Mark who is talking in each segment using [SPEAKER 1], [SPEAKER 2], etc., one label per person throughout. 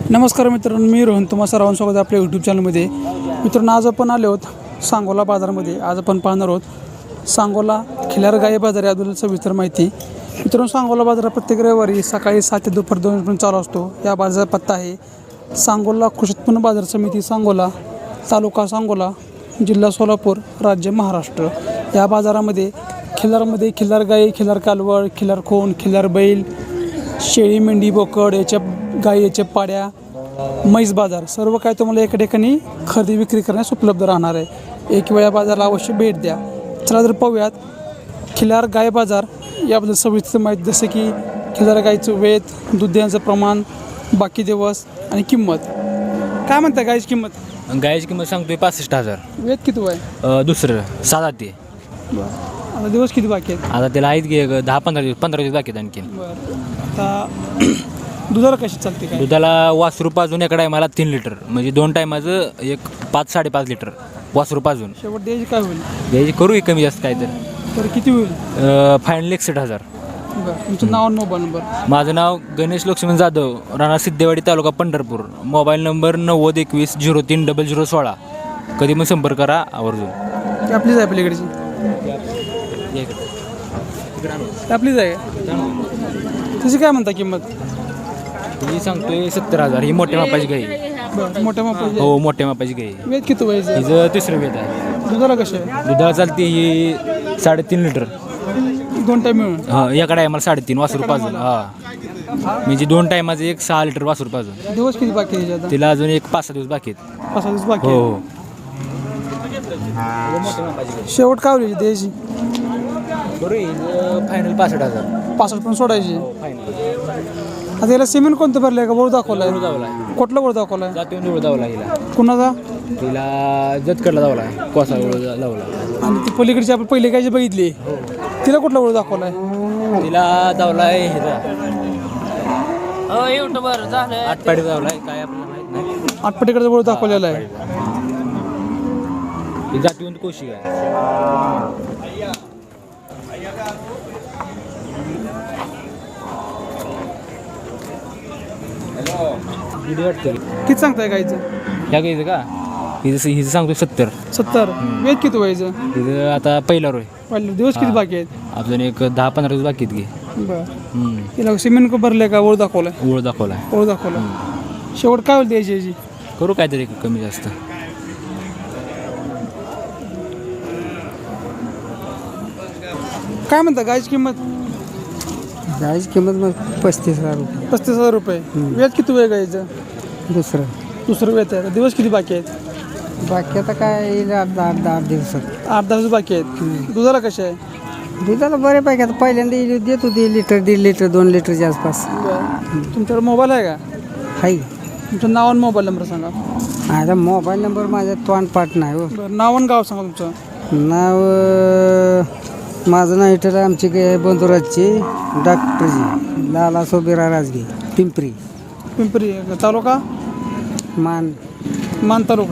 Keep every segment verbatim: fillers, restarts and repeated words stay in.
[SPEAKER 1] नमस्कार मित्रांनो, मी रोहन तुम्हा सर्वांचं स्वागत आहे आपल्या यूट्यूब चॅनलमध्ये. मित्रांनो, आज आपण आलो आहोत सांगोला बाजारामध्ये. आज आपण पाहणार आहोत सांगोला खिलार गाई बाजार याबद्दल सविस्तर माहिती. मित्रांनो, सांगोला बाजार प्रत्येक रविवारी सकाळी सात ते दुपार दोन पर्यंत चालू असतो. या बाजाराचा पत्ता आहे सांगोला कृषी उत्पन्न बाजार समिती सांगोला, तालुका सांगोला, जिल्हा सोलापूर, राज्य महाराष्ट्र. या बाजारामध्ये खिल्लारमध्ये खिल्लार गाई, खिल्लार कालवड, खिल्लार खोंड, खिल्लार बैल, शेळी, मेंढी, बोकड, याच्या गाई, याच्या पाड्या, म्हैस बाजार सर्व काय तुम्हाला एका ठिकाणी खरेदी विक्री करण्यास उपलब्ध राहणार आहे. एक वेळा बाजाराला अवश्य भेट द्या. चला तर पाहूयात खिल्लार गाय बाजार याबद्दल सविस्तर माहिती, जसं की खिल्लार गायचं वेत, दूध देण्याचं प्रमाण, बाकी दिवस आणि किंमत. काय म्हणता गायची किंमत?
[SPEAKER 2] गायची किंमत सांगतोय पासष्ट हजार.
[SPEAKER 1] वेत किती आहे?
[SPEAKER 2] अ, दुसरं सात ते.
[SPEAKER 1] बरं, आता दिवस किती बाकी आहेत?
[SPEAKER 2] आता त्याला आहेत की दहा पंधरा दिवस पंधरा दिवस बाकी आहेत आणखी.
[SPEAKER 1] बरं, आता दुधाला कशी चालते काय?
[SPEAKER 2] दुधाला वासरू पाजून एका टायमाला तीन लिटर, म्हणजे दोन टायमाचं एक पाच साडेपाच लिटर वासरू पाजून.
[SPEAKER 1] शेवट द्यायची काय होईल?
[SPEAKER 2] द्यायची करू की कमी जास्त काय तर.
[SPEAKER 1] तर किती होईल?
[SPEAKER 2] फायनल एकसष्ट हजार.
[SPEAKER 1] बरं, तुमचं नाव आणि मोबाईल नंबर?
[SPEAKER 2] माझं नाव गणेश लक्ष्मण जाधव, राणा सिद्धेवाडी, तालुका पंढरपूर. मोबाईल नंबर नव्वद एकवीस झिरो तीन डबल झिरो सोळा. कधी मग संपर्क करा आवर्जून.
[SPEAKER 1] ती आपलीच आहे आपल्याकडची? आपलीच आहे. तुझी काय म्हणता किंमत?
[SPEAKER 2] ही सांगतोय सत्तर हजार. ही मोठ्या मापाची गाई.
[SPEAKER 1] बरं, मोठ्या मापाची.
[SPEAKER 2] हो, मोठ्या मापाची गाई.
[SPEAKER 1] वेत किती व्हायचं?
[SPEAKER 2] हिचं तिसरं वेद आहे.
[SPEAKER 1] दुधाला कशी आहे?
[SPEAKER 2] दुधाला चालते ही साडेतीन लिटर.
[SPEAKER 1] दोन टाईम मिळून?
[SPEAKER 2] हां, एका आम्हाला साडेतीन वासरू पाजून. हां, म्हणजे दोन टायमाचं एक सहा लिटर वासरू पाजून.
[SPEAKER 1] दिवस किती बाकी आहे आता?
[SPEAKER 2] तिला अजून एक पाच सहा दिवस बाकी आहेत.
[SPEAKER 1] पाच सहा दिवस बाकी
[SPEAKER 2] हो
[SPEAKER 1] आहे.
[SPEAKER 2] हो.
[SPEAKER 1] शेवट काय होईल द्यायची?
[SPEAKER 2] फायनल पासष्ट हजार.
[SPEAKER 1] पासष्ट पण सोडायची.
[SPEAKER 2] फायनल
[SPEAKER 1] आता याला सिमेंट कोणतं भरलं आहे का? बोर दाखवला आहे?
[SPEAKER 2] जावला आहे.
[SPEAKER 1] कुठला बोर दाखवला आहे?
[SPEAKER 2] जातीवर निवड जावला हिला.
[SPEAKER 1] कुणाचा?
[SPEAKER 2] तिला जतकडला जावला आहे. कोसा लावला.
[SPEAKER 1] आणि ती पलीकडची आपण पहिले काय जी बघितली तिला कुठला बोर दाखवला आहे?
[SPEAKER 2] तिला जावला आहे ह्याचा आठपाडी जावला आहे. काय आपल्याला माहित नाही.
[SPEAKER 1] आठपटीकडचा बोर दाखवलेला आहे.
[SPEAKER 2] ही जातीवंत कोशी आहे.
[SPEAKER 1] किती सांगताय गायचं?
[SPEAKER 2] ह्या घ्यायचं का? हिचं हिचं सांगतो सत्तर.
[SPEAKER 1] सत्तर. वेद किती व्हायचं?
[SPEAKER 2] हिचं आता पहिला रोय.
[SPEAKER 1] पहिले दिवस किती बाकी आहेत?
[SPEAKER 2] अजून एक दहा पंधरा दिवस बाकी आहेत घे.
[SPEAKER 1] बरं, तिला सिमेंट भरले का? ओळ दाखवलाय?
[SPEAKER 2] ओळ दाखवला.
[SPEAKER 1] ओळ दाखवला. शेवट काय होईल द्यायची याची?
[SPEAKER 2] करू काहीतरी कमी जास्त.
[SPEAKER 1] काय म्हणता गायची किंमत?
[SPEAKER 3] गायची किंमत मग पस्तीस हजार रुपये.
[SPEAKER 1] पस्तीस हजार रुपये. वेद किती वेळ गायचं?
[SPEAKER 3] दुसरं
[SPEAKER 1] दुसरं वेद आहे. दिवस किती बाकी आहेत?
[SPEAKER 3] बाकी आता काय येईल आठ दहा आठ दहा आठ दिवसात.
[SPEAKER 1] आठ दहा दिवस बाकी आहेत. दुधाला कसे आहे?
[SPEAKER 3] दुधाला बऱ्यापैकी आता पहिल्यांदा येईल देत होती लिटर दीड लिटर दोन लिटरच्या आसपास.
[SPEAKER 1] तुमच्याकडे मोबाईल आहे का?
[SPEAKER 3] हाय.
[SPEAKER 1] तुमचं नाव आणि मोबाईल नंबर सांगा.
[SPEAKER 3] आता मोबाईल नंबर माझा तोंड पाठ नाही हो.
[SPEAKER 1] बरं, नाव आणि गाव सांगा तुमचं.
[SPEAKER 3] नाव अं, माझं नाव इटर आमची काय बंधुराजची डॉक्टरजी लाला सोबिरा राजगी पिंपरी
[SPEAKER 1] पिंपरी. तालुका
[SPEAKER 3] मान
[SPEAKER 1] मान तालुका.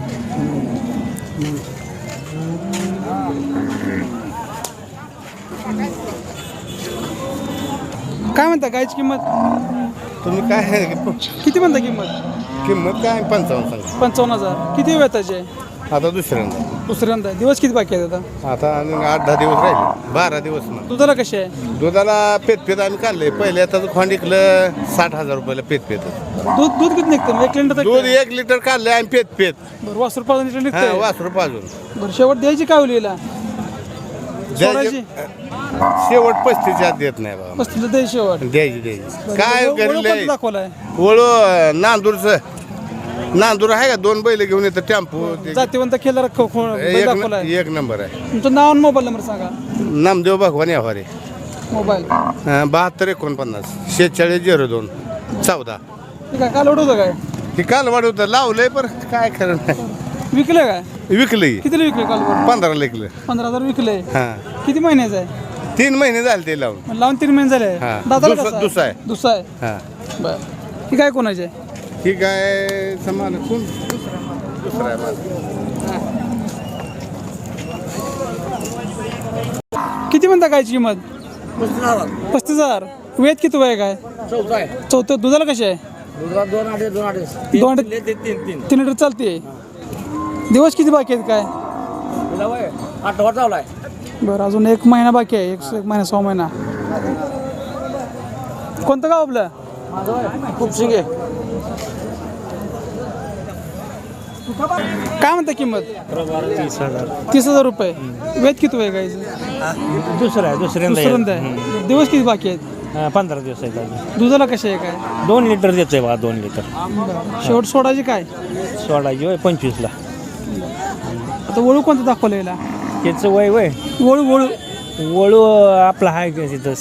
[SPEAKER 1] काय म्हणता गायची किंमत?
[SPEAKER 4] तुम्ही काय
[SPEAKER 1] किती म्हणता किंमत?
[SPEAKER 4] किंमत काय पंचावन्न सांगा.
[SPEAKER 1] पंचावन्न हजार. किती वेताची आहे?
[SPEAKER 4] आता दुसऱ्यांदा.
[SPEAKER 1] दुसऱ्यांदा. दिवस किती बाकी आहेत आता?
[SPEAKER 4] आता अजून आठ दहा दिवस राहिले. बारा दिवस ना.
[SPEAKER 1] दुधाला कशी आहे?
[SPEAKER 4] दुधाला पेत पेत आम्ही काढले. पहिले आता खोंड इकलं साठ हजार रुपयाला पेत पेत.
[SPEAKER 1] दूध दूध किती निघतं? एक लिटर
[SPEAKER 4] दूध एक लिटर काढले आम्ही पेत पेत.
[SPEAKER 1] बरं, वासरू पाच लिटर
[SPEAKER 4] हा,
[SPEAKER 1] निघतं.
[SPEAKER 4] वासरू पाजून
[SPEAKER 1] बरं, शेवट द्यायची काय होईल हिला? सोडायची?
[SPEAKER 4] शेवट पस्तीसच्या आत देत नाही बाबा.
[SPEAKER 1] पस्तीस द्यायची शेवट.
[SPEAKER 4] द्यायची द्यायची. काय
[SPEAKER 1] ओळख
[SPEAKER 4] घरी
[SPEAKER 1] कोणतं दाखवलाय?
[SPEAKER 4] ओळू नांदूरचं. नांदूर आहे का? दोन बैल घेऊन येतं टेम्पो.
[SPEAKER 1] जातीवंत खेळला
[SPEAKER 4] एक
[SPEAKER 1] दाखवलाय.
[SPEAKER 4] एक नंबर आहे.
[SPEAKER 1] तुमचं नाव आणि मोबाईल नंबर सांगा.
[SPEAKER 4] नामदेव भगवान यावारे.
[SPEAKER 1] मोबाईल
[SPEAKER 4] बहात्तर एकोणपन्नास शेहेचाळीस झिरो दोन चौदा.
[SPEAKER 1] ठीक आहे. काल होतं काय?
[SPEAKER 4] हे काल वाढवतं लावलंय पर काय खरं नाही.
[SPEAKER 1] विकलं काय?
[SPEAKER 4] विकलंय.
[SPEAKER 1] कितीला विकले काल?
[SPEAKER 4] पंधरा लेकलं.
[SPEAKER 1] पंधरा हजार विकले.
[SPEAKER 4] हा,
[SPEAKER 1] किती महिन्याचं आहे?
[SPEAKER 4] तीन महिने झाले ते लावून.
[SPEAKER 1] लावून तीन महिने झाले.
[SPEAKER 4] हा.
[SPEAKER 1] दादाला
[SPEAKER 4] दुसरा-
[SPEAKER 1] कसा
[SPEAKER 4] दुसरा आहे.
[SPEAKER 1] दुसरा आहे.
[SPEAKER 4] हा,
[SPEAKER 1] बरं, ही काय कोणाची आहे?
[SPEAKER 4] ठीक आहे. समान कोण दुसरा आहे माझा.
[SPEAKER 1] किती म्हणता गायची किंमत? पस्तीस हजार. वेद किती वय काय? चौथं. दुधाला कशी आहे?
[SPEAKER 3] दोन अडीच दोन अडीच
[SPEAKER 1] दोन तीन लिटर चालते. दिवस किती बाकी आहेत काय?
[SPEAKER 3] आठवा चावलाय.
[SPEAKER 1] बरं, अजून एक महिना बाकी आहे. एक एक महिना सहा महिना. कोणतं गाव आपलं?
[SPEAKER 3] खूप शिंगे.
[SPEAKER 1] काय म्हणता किंमत?
[SPEAKER 3] तीस हजार.
[SPEAKER 1] तीस हजार रुपये. वेद किती आहे गाईचं?
[SPEAKER 3] दुसरं आहे दुसऱ्यांदा
[SPEAKER 1] दुसऱ्यांदा आहे. दिवस किती बाकी आहेत?
[SPEAKER 3] पंधरा दिवस आहे.
[SPEAKER 1] दुधाला कसे आहे काय?
[SPEAKER 3] दोन लिटर देतोय बघा दोन लिटर.
[SPEAKER 1] शेवट सोडायची काय?
[SPEAKER 3] सोडायची वय पंचवीसला.
[SPEAKER 1] आता वळू कोणतं दाखवलं याला?
[SPEAKER 3] त्याचं वय वय
[SPEAKER 1] वळू वळू
[SPEAKER 3] वळू आपला हाय तिथं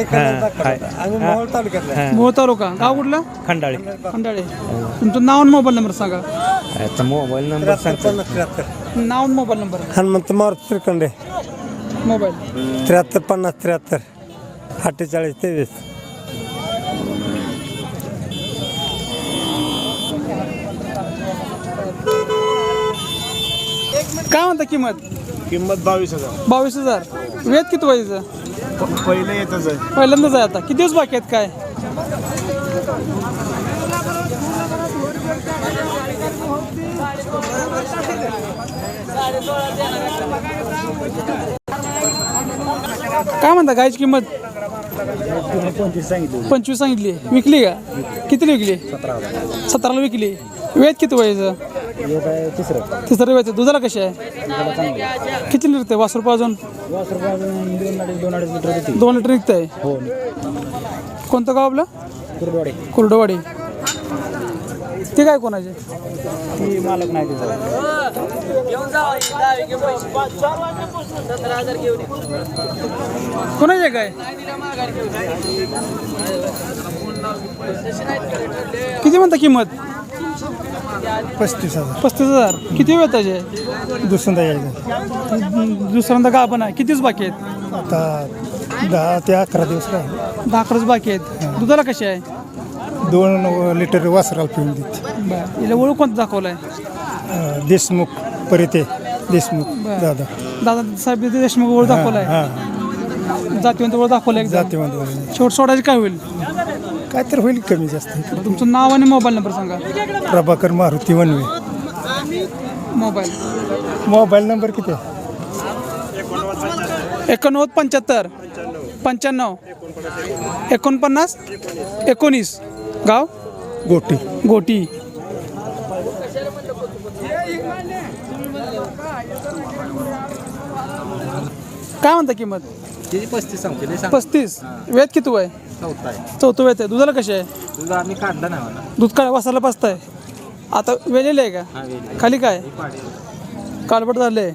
[SPEAKER 1] मोहोळ तालुका. गाव कुठलं?
[SPEAKER 3] खंडाळी.
[SPEAKER 1] खंडाळे. तुमचं नाव आणि मोबाईल नंबर सांगा.
[SPEAKER 3] याचा मोबाईल नंबर सांगतो.
[SPEAKER 1] नाव आणि mobile number.
[SPEAKER 5] Hanumant Maruti Shrikhande.
[SPEAKER 1] Mobile
[SPEAKER 5] त्र्याहत्तर पन्नास त्र्याहत्तर अठ्ठेचाळीस तेवीस.
[SPEAKER 1] काय म्हणता किंमत?
[SPEAKER 5] किंमत बावीस हजार.
[SPEAKER 1] बावीस हजार. वेद किती व्हायचं?
[SPEAKER 5] पहिलं येतच आहे.
[SPEAKER 1] पहिल्यांदाच आहे आता. किती दिवस बाकी आहेत काय? काय म्हणता गायची किंमत? पंचवीस सांगितली. विकली का? कितीला विकली? सतराला विकली. वेद किती व्हायचं? तिसरं वेद. दुधाला कशी आहे? किती लिटर वास रुपये अजून? दोन लिटर निघत आहे. कोणतं गाव आपलं?
[SPEAKER 3] कुरडवाडी.
[SPEAKER 1] कुर्डवाडी. ते काय कोणाचे?
[SPEAKER 3] मालक नाही
[SPEAKER 1] कोणाचे काय? किती म्हणता किंमत?
[SPEAKER 5] पस्तीस हजार.
[SPEAKER 1] पस्तीस हजार. किती वेळ त्याचे?
[SPEAKER 5] दुसऱ्यांदा यायचं.
[SPEAKER 1] दुसऱ्यांदा का पण आहे. किती दिवस बाकी आहेत?
[SPEAKER 5] आता दहा ते अकरा दिवस राहिले.
[SPEAKER 1] दहा अकराच बाकी आहेत. दुधाला कशी आहे?
[SPEAKER 5] दोन लिटर वासराला पिऊन देते.
[SPEAKER 1] बरं. हिला ओळख कोणतं दाखवलं आहे?
[SPEAKER 5] अं, देशमुख परिते देशमुख
[SPEAKER 1] बरं.
[SPEAKER 5] दादा.
[SPEAKER 1] दादा साहेब देशमुख ओळख दाखवला आहे.
[SPEAKER 5] हां
[SPEAKER 1] जातीवंत ओळख दाखवलं आहे.
[SPEAKER 5] जातीवंत
[SPEAKER 1] शेवट सोडायची काय होईल?
[SPEAKER 5] काय तर होईल कमी जास्त.
[SPEAKER 1] तुमचं नाव आणि मोबाईल नंबर सांगा.
[SPEAKER 5] Prabhakar Maruti Wanve.
[SPEAKER 1] Mobile
[SPEAKER 5] mobile number किती आहे?
[SPEAKER 1] एकोणनव्वद पंच्याहत्तर पंच्याण्णव एकोणपन्नास एकोणीस. गाव
[SPEAKER 5] गोटी.
[SPEAKER 1] गोटी. काय म्हणता किंमत?
[SPEAKER 2] पस्तीस सांगते.
[SPEAKER 1] पस्तीस. वेद किती आहे? चौथं वेद आहे. दुधाला कशी आहे?
[SPEAKER 2] तुझं आम्ही काढला नाही मला.
[SPEAKER 1] दूध काय वासाला पाचताय? आता वेलेलं आहे का? खाली काय कालबट झालंय?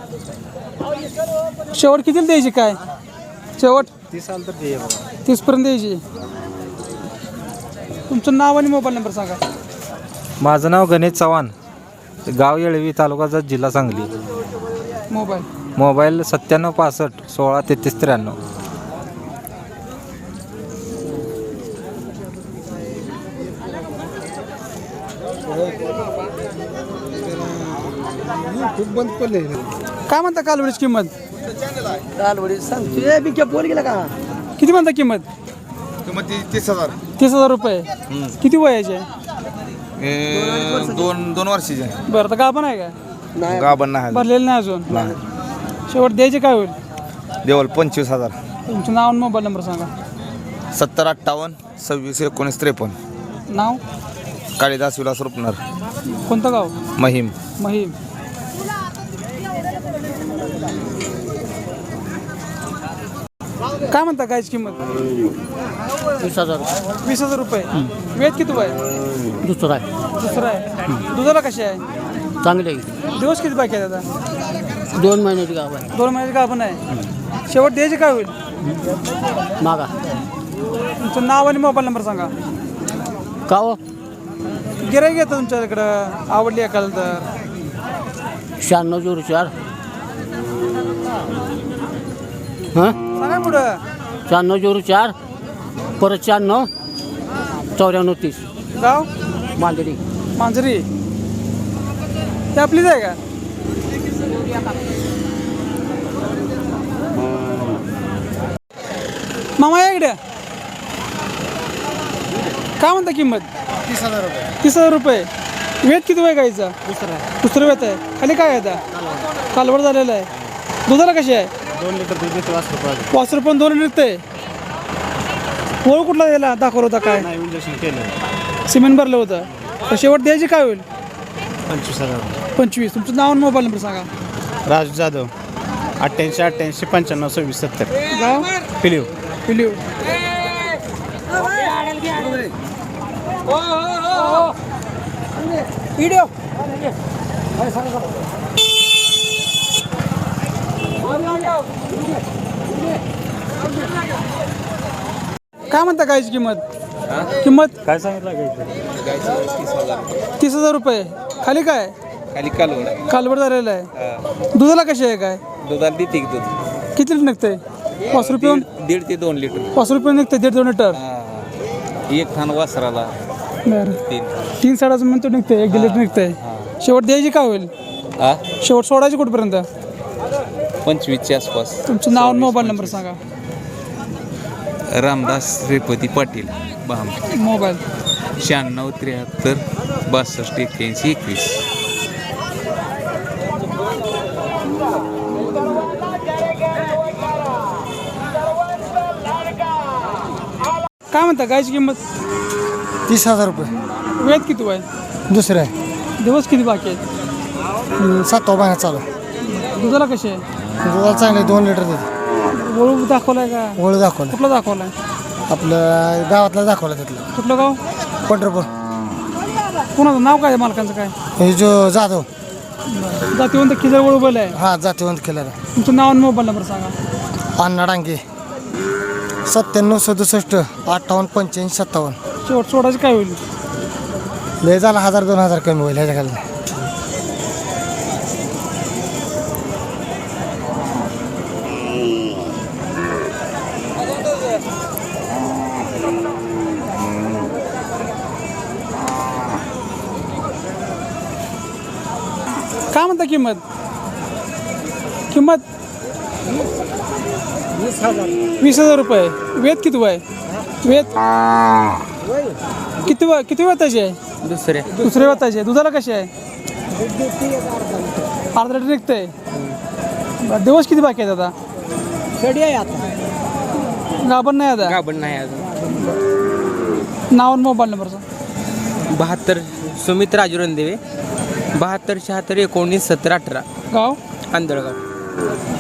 [SPEAKER 1] शेवट कितीला द्यायची काय? शेवट
[SPEAKER 2] तीस साल तर दे बाबा.
[SPEAKER 1] तीसपर्यंत द्यायची. तुमचं नाव आणि मोबाईल नंबर सांगा.
[SPEAKER 2] माझं नाव गणेश चव्हाण. गाव येळवी, तालुका जिल्हा सांगली.
[SPEAKER 1] मोबाईल
[SPEAKER 2] मोबाईल सत्त्याण्णव पासष्ट सोळा तेहतीस त्र्याण्णव.
[SPEAKER 5] बंद पडले.
[SPEAKER 1] काय म्हणता कालवडीची किंमत?
[SPEAKER 3] कालवडी सांगतोय बिक्या पोर गेला का?
[SPEAKER 1] किती म्हणता किंमत?
[SPEAKER 4] किंमत तीस हजार.
[SPEAKER 1] तीस हजार रुपये. किती वयाचे?
[SPEAKER 4] दोन दोन वर्षाचे.
[SPEAKER 1] बरं, तर गाभण आहे का?
[SPEAKER 4] गाभण नाही.
[SPEAKER 1] भरलेलं नाही अजून. शेवट द्यायचे काय होईल?
[SPEAKER 4] देवल पंचवीस हजार.
[SPEAKER 1] तुमचं नाव आणि मोबाईल नंबर सांगा.
[SPEAKER 4] सत्तर अठ्ठावन्न सव्वीस एकोणीस त्रेपन्न.
[SPEAKER 1] नाव?
[SPEAKER 4] काळीदास विलास रुपनर.
[SPEAKER 1] कोणतं गाव?
[SPEAKER 4] महिम.
[SPEAKER 1] महिम. काय म्हणता गायची किंमत?
[SPEAKER 3] वीस हजार.
[SPEAKER 1] वीस हजार रुपये. वेद किती आहे?
[SPEAKER 3] दुसरा आहे.
[SPEAKER 1] दुसरं आहे. दुधाला कशी आहे?
[SPEAKER 3] चांगले
[SPEAKER 1] दिवस किती बाकी आहेत आता?
[SPEAKER 3] दोन महिन्याची गाव आहे.
[SPEAKER 1] दोन महिन्याची गाभण आहे. शेवट द्यायचे काय होईल?
[SPEAKER 3] मागा
[SPEAKER 1] तुमचं नाव आणि मोबाईल नंबर सांगा.
[SPEAKER 3] का हो?
[SPEAKER 1] गिराईक येतं तुमच्या इकडं, आवडली एखादं तर?
[SPEAKER 3] शहाण्णव झिरो चार. हां
[SPEAKER 1] सांगा पुढं.
[SPEAKER 3] शहाण्णव झिरो चार परत शहाण्णव चौऱ्याण्णव तीस.
[SPEAKER 1] गाव?
[SPEAKER 3] मांजरी.
[SPEAKER 1] मांजरी. ते आपलीच आहे का? मामा या इकडे. काय म्हणता किंमत?
[SPEAKER 3] तीस हजार रुपये
[SPEAKER 1] तीस हजार रुपये. वेत किती आहे गाईचा?
[SPEAKER 3] दुसरा
[SPEAKER 1] दुसरं वेत आहे. खाली काय आहे आता? कालवड झालेलं आहे. दुधाला कशी आहे?
[SPEAKER 3] दोन लिटर दूध देते वासरू पाहिजे.
[SPEAKER 1] पाच रुपये दोन निघते. ओळ कुठला द्यायला दाखवलं होता काय?
[SPEAKER 3] नाही इंजेक्शन केलं.
[SPEAKER 1] सिमेंट भरलं होतं. तर शेवट द्यायची काय होईल?
[SPEAKER 3] पंचवीस हजार.
[SPEAKER 1] पंचवीस. तुमचं नाव आणि मोबाईल नंबर सांगा.
[SPEAKER 3] राजू जाधव अठ्ठ्याऐंशी अठ्ठ्याऐंशी पंच्याण्णव सव्वीस सत्तर.
[SPEAKER 1] गाव
[SPEAKER 3] पिलिव.
[SPEAKER 1] पिलिव. काय म्हणता गायची किंमत? किंमत
[SPEAKER 3] काय सांगितलं
[SPEAKER 1] तीस हजार रुपये. खाली काय?
[SPEAKER 6] खाली कालवड
[SPEAKER 1] कालवड झालेलं आहे. दुधाला कशी आहे काय?
[SPEAKER 6] दुधाला देते की दूध
[SPEAKER 1] किती लिटर निघते? पाच रुपये.
[SPEAKER 6] दीड दीड ते दोन लिटर
[SPEAKER 1] पाच रुपये निघते. दीड दोन लिटर.
[SPEAKER 6] हा. एक थान वासराला
[SPEAKER 1] बरं.
[SPEAKER 6] तीन
[SPEAKER 1] तीन साडाचं म्हणतो निघते. एक दीड लिटर निघते. शेवट द्यायची काय होईल?
[SPEAKER 6] हा
[SPEAKER 1] शेवट सोडायची कुठपर्यंत?
[SPEAKER 6] पंचवीसच्या आसपास.
[SPEAKER 1] तुमचं नाव आणि मोबाईल नंबर सांगा.
[SPEAKER 6] रामदास श्रीपती पाटील बाम
[SPEAKER 1] मोबाईल
[SPEAKER 6] शहाण्णव त्र्याहत्तर बासष्ट एक्क्याऐंशी एकवीस.
[SPEAKER 1] काय म्हणता गायची किंमत?
[SPEAKER 3] तीस हजार रुपये.
[SPEAKER 1] वेद किती आहे?
[SPEAKER 3] दुसरं आहे.
[SPEAKER 1] दिवस किती बाकी आहेत?
[SPEAKER 3] सातवा महिना चालू आहे.
[SPEAKER 1] दुधाला कशी आहे?
[SPEAKER 3] दुधाला चांगले दोन लिटर देते.
[SPEAKER 1] वळू दाखवलाय का?
[SPEAKER 3] ओळख दाखवलं.
[SPEAKER 1] कुठला दाखवलाय?
[SPEAKER 3] आपलं गावातला दाखवलं तिथलं.
[SPEAKER 1] कुठलं गाव?
[SPEAKER 3] पंढरपूर.
[SPEAKER 1] कोणाचं नाव काय आहे मालकांचं काय?
[SPEAKER 3] हे जो जाधव.
[SPEAKER 1] जातीवंत खिजर वळू बैल आहे.
[SPEAKER 3] हा जातीवंत केलेला.
[SPEAKER 1] तुमचं नाव आणि मोबाईल नंबर सांगा.
[SPEAKER 3] अण्णा डांगे सत्त्याण्णव सदुसष्ट अठ्ठावन्न पंच्याऐंशी सत्तावन्न.
[SPEAKER 1] शेवट सोडायची काय होईल?
[SPEAKER 3] लय झाला हजार दोन हजार कमी होईल ह्याच्या खाली.
[SPEAKER 1] काय म्हणता किंमत? किंमत वीस हजार रुपये. वेद किती आहे? वेद किती व किती वेताची आहे?
[SPEAKER 2] दुसऱ्या
[SPEAKER 1] दुसऱ्या वेताची आहे. दुधाला कशी आहे? अर्धा लिटर निघते. दिवस किती बाकी आहेत आता?
[SPEAKER 3] कडी आहे आता.
[SPEAKER 1] गाभण नाही आता.
[SPEAKER 2] गाभण नाही अजून.
[SPEAKER 1] नाव आणि मोबाईल नंबर सांगा.
[SPEAKER 2] बहात्तर सुमित राजू रणदेवे बहात्तर शहात्तर एकोणीस सत्तर अठरा
[SPEAKER 1] गाव
[SPEAKER 2] आंधळगाव.